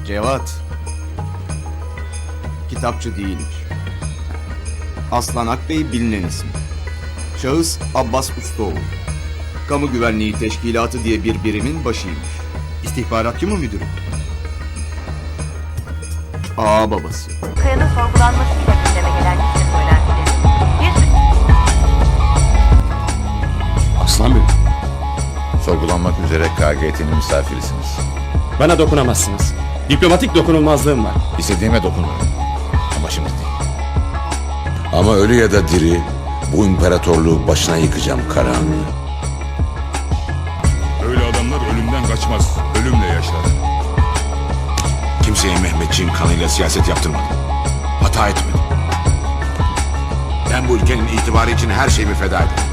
Cevat. Kitapçı değilmiş. Aslan Akbey bilinen isim. Şahıs Abbas Ustaoğlu. Kamu Güvenliği Teşkilatı diye bir birimin başıymış. İstihbaratçı mı müdürüm? Ağa babası. Kaya'nın sorgulanmasıyla gündeme gelen liste söylentileri. Aslan Bey, Sorgulanmak üzere KGT'nin misafirisiniz. bana dokunamazsınız. Diplomatik dokunulmazlığım var. İstediğime dokunurum. Ama şimdi değil. Ama ölü ya da diri bu imparatorluğu başına yıkacağım Karahan. Öyle adamlar ölümden kaçmaz, ölümle yaşar. Kimseye Mehmetçiğin kanıyla siyaset yaptırmadım. Hata etmedim. Ben bu ülkenin itibarı için her şeyimi feda ederim.